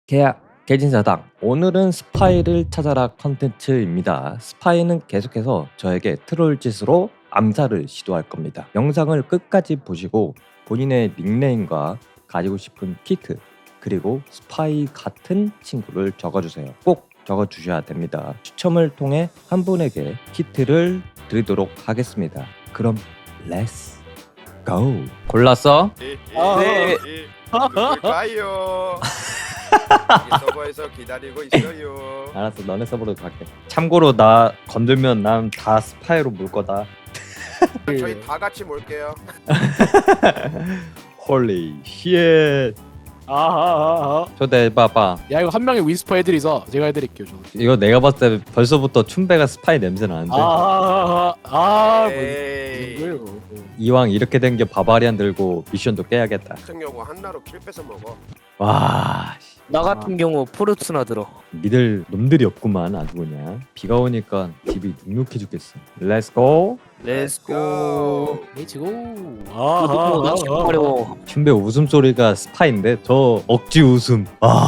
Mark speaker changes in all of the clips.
Speaker 1: 계약 개진사당. 오늘은 스파이를 찾아라 컨텐츠입니다. 스파이는 계속해서 저에게 트롤 짓으로 암살을 시도할 겁니다. 영상을 끝까지 보시고 본인의 닉네임과 가지고 싶은 키트 그리고 스파이 같은 친구를 적어주세요. 꼭 적어주셔야 됩니다. 추첨을 통해 한 분에게 키트를 드리도록 하겠습니다. 그럼 렛츠 고! 골랐어?
Speaker 2: 네. 누굴까요? 여기 서버에서 기다리고 있어요.
Speaker 1: 알았어, 너네 서버로 갈게. 참고로 나 건들면 난 다 스파이로 물 거다.
Speaker 2: 저희 다 같이 몰게요.
Speaker 1: 홀리 쉣. 초대해봐봐.
Speaker 3: 야 이거 한 명이 위스퍼 해드리자. 제가 해드릴게요. 저는.
Speaker 1: 이거 내가 봤을 때 벌써부터 춘배가 스파이 냄새 나는데.
Speaker 2: 에이.
Speaker 3: 뭐예요?
Speaker 1: 이왕 이렇게 된 게 바바리안 들고 미션도 깨야겠다.
Speaker 2: 청려고 한나로 킬 뺏어 먹어.
Speaker 1: 와, 씨,
Speaker 4: 나 같은 경우 포르투나 들어.
Speaker 1: 믿을 놈들이 없구만 아주 그냥. 비가 오니까 집이 눅눅해 죽겠어. 렛츠고.
Speaker 4: 렛츠고.
Speaker 3: 레츠고.
Speaker 4: 나 지금 어려워.
Speaker 1: 춘배 웃음소리가 스파인데 저 억지 웃음.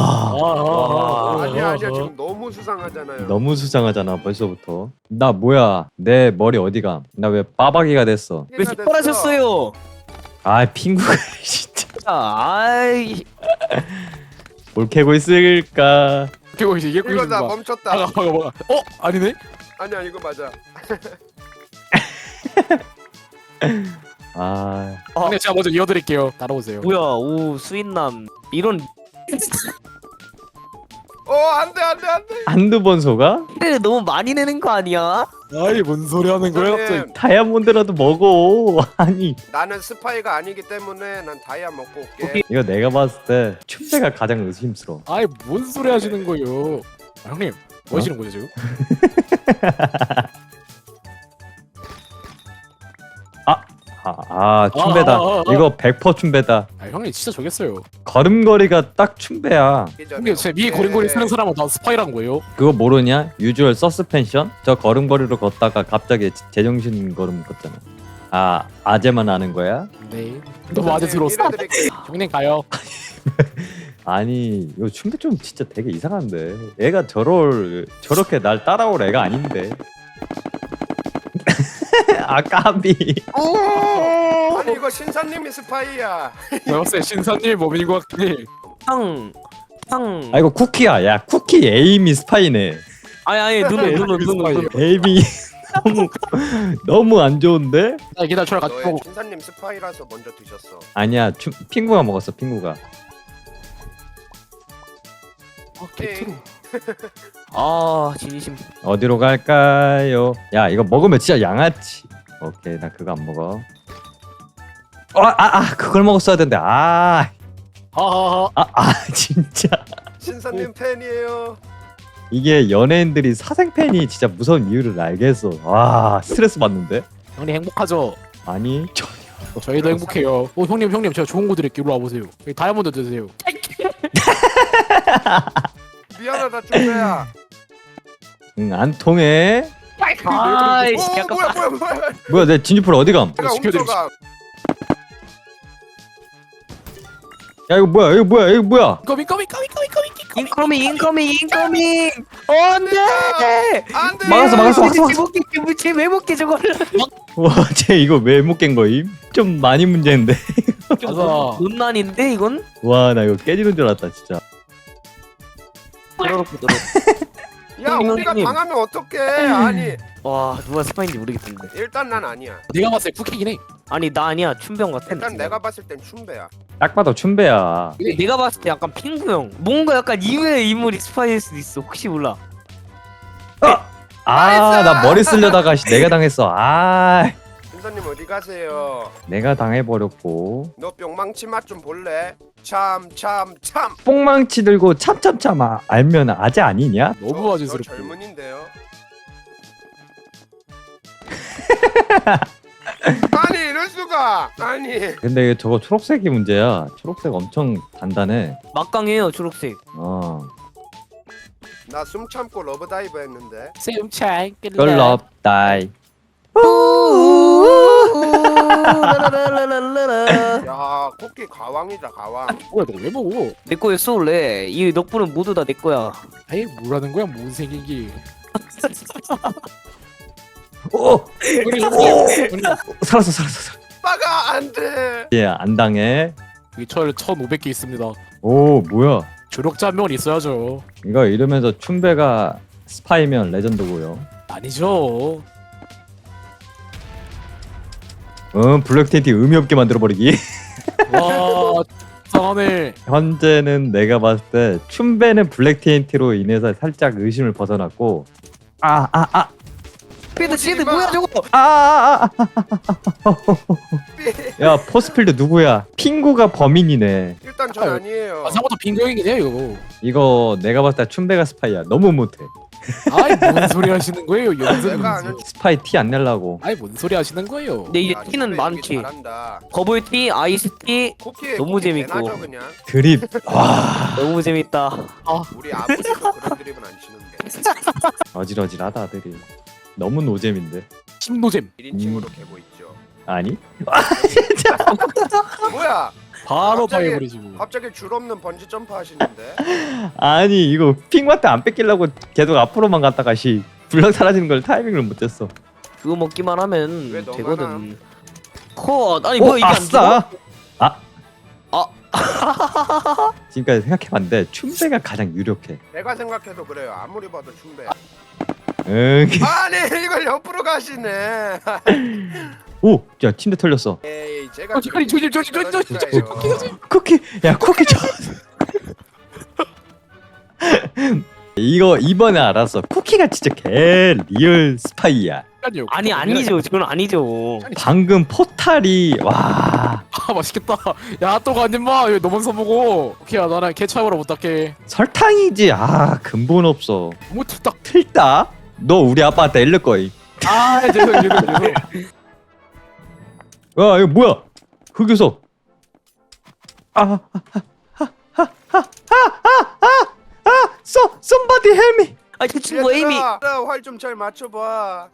Speaker 2: 아니야 지금 너무 수상하잖아요.
Speaker 1: 너무 수상하잖아 벌써부터. 나 뭐야, 내 머리 어디가? 나 왜 빠박이가 됐어?
Speaker 4: 왜 삭발하셨어요?
Speaker 1: 아 핑구가 진짜
Speaker 4: 아이.
Speaker 1: 뭘 캐고 있을까?
Speaker 3: 이거 이제 이게
Speaker 2: 이거 다 멈췄다.
Speaker 3: 뭐가? 아니네?
Speaker 2: 아니야 이거 맞아.
Speaker 1: 아
Speaker 3: 근데 제가 먼저 이어드릴게요. 따라오세요.
Speaker 4: 뭐야, 오 수인남 이런
Speaker 2: 안돼.
Speaker 1: 한두 번 속아?
Speaker 4: 를 너무 많이 내는 거 아니야?
Speaker 3: 아이 뭔 소리 하는 거야 갑자기?
Speaker 2: 선생님,
Speaker 1: 다이아몬드라도 먹어. 아니
Speaker 2: 나는 스파이가 아니기 때문에 난 다이아 먹고 올게.
Speaker 4: 오케이.
Speaker 1: 이거 내가 봤을 때 춘배가 가장 의심스러워.
Speaker 3: 아이 뭔 소리 하시는 거예요? 형님 뭐 하시는 거죠 지금?
Speaker 1: 춘배다.
Speaker 3: 아.
Speaker 1: 이거 100% 춘배다.
Speaker 3: 아 형님 진짜 저겠어요.
Speaker 1: 걸음걸이가 딱 춘배야.
Speaker 3: 형님 제 위에 고랭고리 쓰는 사람은 다 스파이란 거예요?
Speaker 1: 그거 모르냐? 유주얼 서스펜션? 저 걸음걸이로 걷다가 갑자기 제정신 걸음 걷잖아. 아재만 아는 거야?
Speaker 3: 네. 너무 아재 들었어. 형님 가요.
Speaker 1: 아니 이거 춘배 좀 진짜 되게 이상한데. 애가 저렇게 날 따라올 애가 아닌데. 까비.
Speaker 2: 아니 이거 신사님이 스파이야.
Speaker 3: 내가 봤을 때 신사님 범인인 것 같긴 해.
Speaker 4: 탕.
Speaker 1: 아 이거 쿠키야. 야 쿠키 에임이 스파이네.
Speaker 4: 아니 눈.
Speaker 1: 에임이 너무 안 좋은데?
Speaker 3: 나 기다려 저랑 같이
Speaker 2: 너의
Speaker 3: 먹고.
Speaker 2: 신사님 스파이라서 먼저 드셨어.
Speaker 1: 아니야 핑구가 먹었어 핑구가.
Speaker 3: 개트로.
Speaker 4: 아 진심.
Speaker 1: 어디로 갈까요? 야 이거 먹으면 진짜 양아치. 오케이 나 그거 안 먹어. 그걸 먹었어야 되는데. 진짜
Speaker 2: 신사님 팬이에요.
Speaker 1: 이게 연예인들이 사생팬이 진짜 무서운 이유를 알겠어. 와 스트레스 받는데?
Speaker 3: 형님 행복하죠?
Speaker 1: 아니
Speaker 3: 저희도 행복해요. 형님 제가 좋은 거 드릴게요. 이리 와보세요. 여기 다이아몬드 드세요.
Speaker 2: 미안하다 준배야.
Speaker 1: 안 통해.
Speaker 4: 아이씨 약간
Speaker 1: 뭐야 내 진주풀 어디감?
Speaker 2: 내가
Speaker 3: 지켜드리지.
Speaker 2: 훔쳐가.
Speaker 1: 야 이거 뭐야?
Speaker 4: 인커밍. 안돼.
Speaker 2: 안돼.
Speaker 1: 막았어.
Speaker 4: 쟤왜 먹게 저거를?
Speaker 1: 와쟤 이거 왜 못 깬 거임? 좀 많이 문제인데.
Speaker 3: 맞아.
Speaker 4: 논란인데 이건?
Speaker 1: 와 나 이거 깨지는 줄 알았다 진짜.
Speaker 4: 들어놓고.
Speaker 2: 야
Speaker 4: 형님,
Speaker 2: 우리가
Speaker 4: 형님.
Speaker 2: 당하면 어떡해. 아니
Speaker 4: 와 누가 스파인지 모르겠던데.
Speaker 2: 일단 난 아니야.
Speaker 3: 내가 봤을 때 쿠키긴 해.
Speaker 4: 아니 나 아니야 춘병 같아.
Speaker 2: 일단 내가 봤을 땐 춘배야.
Speaker 1: 딱 봐도 춘배야.
Speaker 4: 근데 내가 봤을 때 약간 핑구형. 뭔가 약간 이외의 인물이 스파이일 수도 있어. 혹시 몰라.
Speaker 1: 나 머리 쓰려다가 내가 당했어.
Speaker 2: 신사님 어디 가세요?
Speaker 1: 내가 당해버렸고.
Speaker 2: 너 뿅망치 맛 좀 볼래? 참.
Speaker 1: 뽕망치 들고 참참참 알면 아재 아니냐?
Speaker 3: 너무
Speaker 2: 저
Speaker 3: 아재스럽고.
Speaker 2: 젊은인데요. 아니 이럴 수가. 아니
Speaker 1: 근데 저거 초록색이 문제야. 초록색 엄청 단단해.
Speaker 4: 막강해요 초록색.
Speaker 2: 나 숨 참고 러브 다이브 했는데.
Speaker 3: 쌤차
Speaker 4: 라라라라라라.
Speaker 2: 야 쿠키 가왕이다 가왕.
Speaker 3: 뭐야 너 왜 먹어?
Speaker 4: 내 거였어 원래. 이 넉분은 모두 다 내 거야.
Speaker 3: 아이 뭐라는 거야 뭔 생긴기.
Speaker 1: 오!
Speaker 3: 우리 형님
Speaker 1: 살았어.
Speaker 2: 빠가 안돼.
Speaker 1: 예, 안 당해.
Speaker 3: 여기 철 1,500개 있습니다.
Speaker 1: 오, 뭐야?
Speaker 3: 조력자 한 명은 있어야죠.
Speaker 1: 이거 이러면서 춘배가 스파이면 레전드고요.
Speaker 3: 아니죠.
Speaker 1: 블랙 텐트 의미 없게 만들어 버리기.
Speaker 3: 와 이상하네.
Speaker 1: 현재는 내가 봤을 때 춘배는 블랙 TNT로 인해서 살짝 의심을 벗어났고
Speaker 4: 시드 뭐야 저거?
Speaker 1: 야 포스필드 누구야? 핑구가 범인이네.
Speaker 2: 일단 전 아니에요.
Speaker 3: 아사부터 빈경이긴 해요.
Speaker 1: 이거 내가 봤을 때 춘배가 스파이야. 너무 못해.
Speaker 3: 아이 뭔 소리 하시는 거예요? 연습.
Speaker 2: 내가 아는
Speaker 1: 스파이 티 안 내려고.
Speaker 3: 아이 뭔 소리 하시는 거예요?
Speaker 4: 근데 이제
Speaker 2: 야,
Speaker 4: 티는
Speaker 2: 춘배
Speaker 4: 많지.
Speaker 2: 연기 잘한다.
Speaker 4: 버블티, 아이스티
Speaker 2: 쿠키
Speaker 4: 너무
Speaker 2: 쿠키
Speaker 4: 재밌고.
Speaker 2: 개나죠, 그냥.
Speaker 1: 드립. 와
Speaker 4: 너무 재밌다.
Speaker 2: 우리 아버지도 그런 드립은 안 치는데.
Speaker 1: 어질어질하다 아들이. 너무 노잼인데.
Speaker 3: 심노잼.
Speaker 2: 1인칭으로 개고 있죠.
Speaker 1: 아니?
Speaker 2: 뭐야?
Speaker 3: 바로
Speaker 2: 갑자기-
Speaker 3: 파해버리시고.
Speaker 2: 갑자기 줄 없는 번지 점프 하시는데.
Speaker 1: 아니 이거 핑구한테 안 뺏기려고 계속 앞으로만 갔다가 블럭 사라지는 걸 타이밍을 못 쟀어.
Speaker 4: 그거 먹기만 하면
Speaker 2: 왜 너만
Speaker 4: 되거든. 아니 뭐야
Speaker 1: 오,
Speaker 4: 이게 안
Speaker 1: 아싸.
Speaker 4: 아.
Speaker 1: 지금까지 생각해봤는데 춘배가 가장 유력해.
Speaker 2: 내가 생각해도 그래요. 아무리 봐도 춘배.
Speaker 1: 응.
Speaker 2: 아니 이걸 옆으로 가시네.
Speaker 1: 오, 야 침대 털렸어.
Speaker 2: 에이 제가
Speaker 3: 아니, 조심.
Speaker 1: 쿠키, 야 쿠키 줘. 이거 이번에 알았어. 쿠키가 진짜 개 리얼 스파이야.
Speaker 4: 아니 아니죠. 저건 아니죠.
Speaker 1: 방금 포탈이 와
Speaker 3: 아 맛있겠다. 야 또 가지 마. 이거 너무 써보고. 오케이야 나랑 개차이로 못할게.
Speaker 1: 설탕이지. 아 근본 없어.
Speaker 3: 너무 툭딱.
Speaker 1: 틀다. 너 우리 아빠한테 일를 거이.
Speaker 3: 아 죄송.
Speaker 1: 야 이거 뭐야? 흑요소. somebody help me.
Speaker 4: 아니 그 친구 에이미.
Speaker 2: 활좀 잘 맞춰봐.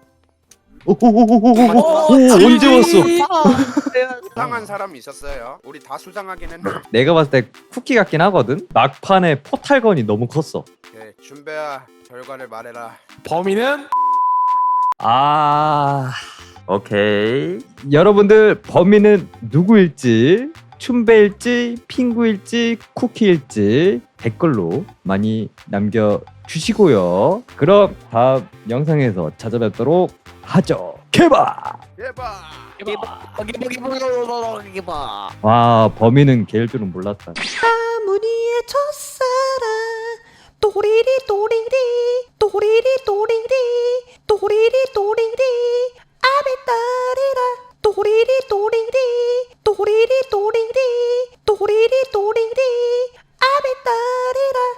Speaker 1: 오, 언제 왔어?
Speaker 2: 수상한 사람 있었어요. 우리 다 수상하긴 했는데.
Speaker 1: 내가 봤을 때 쿠키 같긴 하거든. 막판에 포탈건이 너무 컸어.
Speaker 2: 오케이, 준배야 결과를 말해라.
Speaker 3: 범인은
Speaker 1: 오케이. 여러분들 범인은 누구일지, 춘배일지, 핑구일지, 쿠키일지 댓글로 많이 남겨주시고요. 그럼 다음 영상에서 찾아뵙도록 하죠. 개발!
Speaker 2: 예봐.
Speaker 4: 봐.
Speaker 1: 와, 범인은 걔일 줄은 몰랐다.
Speaker 5: 아무리의 첫사랑 또리리 또리리 또리리 또리리 또리리 또리리 아비따리라 또리리 또리리